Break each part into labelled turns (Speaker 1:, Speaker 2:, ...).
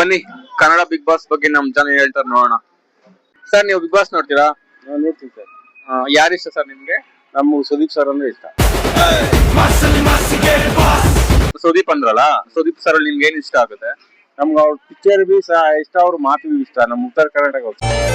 Speaker 1: ಬನ್ನಿ Kannada big boss ಬಗ್ಗೆ ನಮ್ ಜನ ಹೇಳ್ತಾರೆ ನೋಡೋಣ. ಸರ್ ನೀವು ಬಿಗ್ ಬಾಸ್ ನೋಡ್ತೀರಾ?
Speaker 2: ನೋಡ್ತೀನಿ ಸರ್.
Speaker 1: ಯಾರು ಇಷ್ಟ ಸರ್ ನಿಮ್ಗೆ?
Speaker 2: ನಮ್ಮ ಸುದೀಪ್ ಸರ್ ಅಂದ್ರೆ ಇಷ್ಟ.
Speaker 1: ಸುದೀಪ್ ಅಂದ್ರಲ್ಲ, ಸುದೀಪ್ ಸರ್ ಅಲ್ಲಿ ನಿಮ್ಗೆ ಏನ್ ಇಷ್ಟ ಆಗುತ್ತೆ?
Speaker 2: ನಮ್ಗೆ ಅವ್ರ ಪಿಕ್ಚರ್ ಬಿ ಸಹ ಇಷ್ಟ, ಅವ್ರ ಮಾತು ಬಿ ಇಷ್ಟ. ನಮ್ಮ ಉತ್ತರ ಕರ್ನಾಟಕ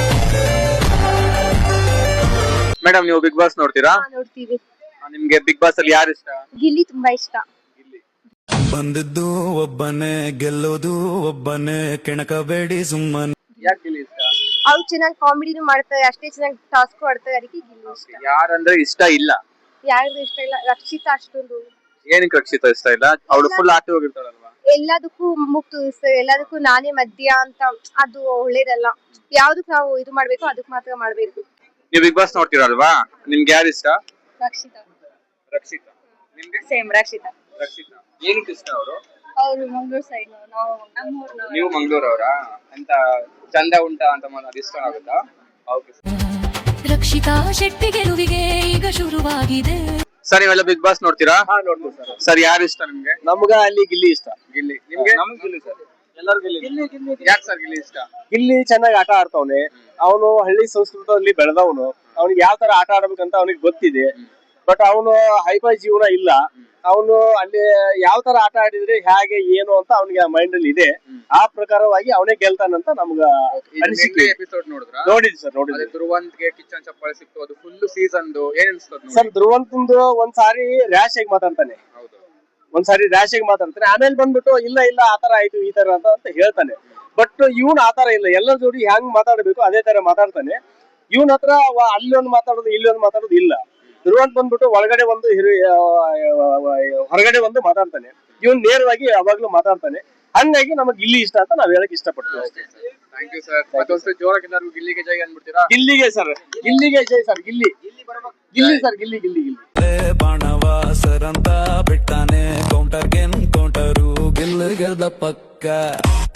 Speaker 1: ಮೇಡಮ್ ನೀವು ಬಿಗ್ ಬಾಸ್ ನೋಡ್ತೀರಾ?
Speaker 3: ನೋಡ್ತೀವಿ.
Speaker 1: ನಿಮ್ಗೆ ಬಿಗ್ ಬಾಸ್ ಅಲ್ಲಿ ಯಾರು ಇಷ್ಟ?
Speaker 3: ಗಿಲ್ಲಿ ತುಂಬಾ ಇಷ್ಟ.
Speaker 4: ಬಂದದ್ದು ಒಬ್ಬನೇ ಗೆಲ್ಲೋದು ಒಬ್ಬನೇ ಕೆಣಕಬೇಡಿ ಸುಮ್ಮನೆ.
Speaker 1: ಯಾಕೆ ಗಿಲ್ಲಿ ಇಷ್ಟ?
Speaker 3: ಅವ್ರು ಚೆನ್ನಾಗಿ ಕಾಮಿಡಿನೂ ಮಾಡ್ತಾರೆ, ಅಷ್ಟೇ ಚೆನ್ನಾಗಿ ಟಾಸ್ಕ್ ಆಡ್ತಾರೆ, ಅದಕ್ಕೆ ಗಿಲ್ಲಿ ಇಷ್ಟ.
Speaker 1: ಯಾರಂದ್ರೆ ಇಷ್ಟ ಇಲ್ಲ?
Speaker 3: ಯಾರಿಗೂ ಇಷ್ಟ ಇಲ್ಲ. ರಕ್ಷಿತಾ ಅಷ್ಟೊಂದು
Speaker 1: ಏನಕ್ಕೆ ರಕ್ಷಿತಾ ಇಷ್ಟ ಇಲ್ಲ? ಅವಳು ಫುಲ್ ಆಕ್ಟಿವ್ ಆಗಿರ್ತಾಳಲ್ವಾ?
Speaker 3: ಎಲ್ಲದಕ್ಕೂ ಮುಗ್ ತೋರಿಸ್ತಾರೆ, ಎಲ್ಲದಕ್ಕೂ ನಾನೇ ಮಧ್ಯ ಅಂತ. ಅದು ಒಳ್ಳೇದಲ್ಲ. ಯಾವ್ದಕ್ ನಾವು ಇದು ಮಾಡ್ಬೇಕು ಅದಕ್ ಮಾತ್ರ ಮಾಡ್ಬೇಕು.
Speaker 1: ನೀವು ಬಿಗ್ ಬಾಸ್ ನೋಡ್ತೀರಲ್ವಾ, ನಿಮ್ಗೆ ಯಾರು ಇಷ್ಟ?
Speaker 3: ರಕ್ಷಿತಾ.
Speaker 1: ರಕ್ಷಿತಾ. ನಿಮ್ಗೆ?
Speaker 3: ಸೇಮ್ ರಕ್ಷಿತಾ.
Speaker 1: ರಕ್ಷಿತಾ ಏನಕ್ಕೆ ಇಷ್ಟ ಅವರು?
Speaker 3: ಅವ್ರು ಮಂಗಳೂರು ಸೈಡ್, ನಾವು ನಮ್ಮೂರ್ನವ್ರು.
Speaker 1: ನೀವು ಮಂಗಳೂರವರಾ ಅಂತ ಚಂದ ಉಂಟಾ ಅಂತ ಅದು ಇಷ್ಟ ಆಗುತ್ತಾ? ಓಕೆ
Speaker 5: ರಕ್ಷಿತಾ ಶೆಟ್ಟಿ ಗೆಲುವಿಗೆ ಈಗ ಶುರುವಾಗಿದೆ.
Speaker 1: ಸರ್ ನೀವೆಲ್ಲ ಬಿಗ್ ಬಾಸ್ ನೋಡ್ತೀರಾ?
Speaker 2: ನೋಡ್ತೀವಿ ಸರ್.
Speaker 1: ಸರ್ ಯಾರು ಇಷ್ಟ ನಿಮ್ಗೆ?
Speaker 2: ನಮ್ಗ ಅಲ್ಲಿ ಗಿಲ್ಲಿ ಇಷ್ಟ.
Speaker 1: ಗಿಲ್ಲಿ. ನಿಮ್ಗೆ?
Speaker 2: ನಮ್ಗೆ ಗಿಲ್ಲಿ ಸರ್. ಎಲ್ಲರೂ ಗಿಲ್ಲಿ.
Speaker 1: ಯಾಕೆ ಸರ್ ಗಿಲ್ಲಿ ಇಷ್ಟ?
Speaker 2: ಗಿಲ್ಲಿ ಚೆನ್ನಾಗಿ ಆಟ ಆಡ್ತಾವನೆ. ಅವನು ಹಳ್ಳಿ ಸಂಸ್ಕೃತದಲ್ಲಿ ಬೆಳೆದವನು. ಅವನಿಗೆ ಯಾವ ತರ ಆಟ ಆಡ್ಬೇಕಂತ ಅವನಿಗೆ ಗೊತ್ತಿದೆ. ಬಟ್ ಅವನು ಹೈಫೈ ಜೀವನ ಇಲ್ಲ. ಅವನು ಅಲ್ಲಿ ಯಾವ ತರ ಆಟ ಆಡಿದ್ರೆ ಹೇಗೆ ಏನು ಅಂತ ಅವನಿಗೆ ಮೈಂಡ್ ಅಲ್ಲಿ ಇದೆ. ಆ ಪ್ರಕಾರವಾಗಿ ಅವನೇ ಗೆಲ್ತಾನಂತ ನಮ್ಗ ಅನಿಸಿಕೆ.
Speaker 1: ಎಪಿಸೋಡ್ ನೋಡಿದ್ರಾ?
Speaker 2: ನೋಡಿದ್ವಿ ಸರ್, ನೋಡಿದ್ವಿ.
Speaker 1: ಧ್ರುವಂತ್ಗೆ ಕಿಚ್ಚನ್ ಚಪ್ಪಾಳೆ ಸಿಕ್ತು, ಅದು ಫುಲ್ ಸೀಸನ್ ಏನ್ ಅನ್ಸ್ತದ
Speaker 2: ಸರ್? ಧ್ರುವಂತಂದು ಒಂದ್ಸಾರಿ ರ್ಯಾಶ್ ಆಗಿ ಮಾತಾಡ್ತಾನೆ, ಒಂದ್ಸಾರಿ ರ್ಯಾಶ್ ಆಗಿ ಮಾತಾಡ್ತಾನೆ. ಆಮೇಲೆ ಬಂದ್ಬಿಟ್ಟು ಇಲ್ಲ ಇಲ್ಲ ಆತರ ಆಯ್ತು ಈ ತರ ಅಂತ ಹೇಳ್ತಾನೆ. ಬಟ್ ಇವನ್ ಆತರ ಇಲ್ಲ. ಎಲ್ಲರ ಜೋಡಿ ಹೆಂಗ್ ಮಾತಾಡ್ಬೇಕು ಅದೇ ತರ ಮಾತಾಡ್ತಾನೆ. ಇವನ್ ಹತ್ರ ಅಲ್ಲಿ ಒಂದು ಮಾತಾಡೋದು ಇಲ್ಲಿ ಒಂದು ಮಾತಾಡೋದು ಇಲ್ಲ. ಧ್ರುವಂತ್ ಬಂದ್ಬಿಟ್ಟು ಒಳಗಡೆ ಒಂದು ಹೊರಗಡೆ ಒಂದು ಮಾತಾಡ್ತಾನೆ. ಇವನ್ ನೇರವಾಗಿ ಯಾವಾಗ್ಲೂ ಮಾತಾಡ್ತಾನೆ. ಹಂಗಾಗಿ ನಮಗ್ ಗಿಲ್ಲಿ ಇಷ್ಟ ಅಂತ ನಾವ್ ಹೇಳಕ್ ಇಷ್ಟಪಡ್ತೀವಿ.
Speaker 1: Thank you sir. ಮತ್ತೊಂದ್ಸರಿ ಜೋರಾಗಿ ಎಲ್ಲರಿಗೂ ಗಿಲ್ಲಿಗೆ ಜೈ ಅಂದ್ಬಿಡ್ತೀರಾ?
Speaker 2: ಗಿಲ್ಲಿಗೆ ಸರ್, ಗಿಲ್ಲಿಗೆ ಜೈ ಸರ್. ಗಿಲ್ಲಿ ಗಿಲ್ಲಿ ಸರ್, ಗಿಲ್ಲಿ ಗಿಲ್ಲಿ ಗಿಲ್ಲಿ.
Speaker 4: ಬಾಣವ ಸರಂತ ಬಿಟ್ಟಾನೆ ಕೌಂಟರ್ ಗೆನ್ ಕೌಂಟರು ಗೆಲ್ಲ ಗೆಲ್ದ ಪಕ್ಕ.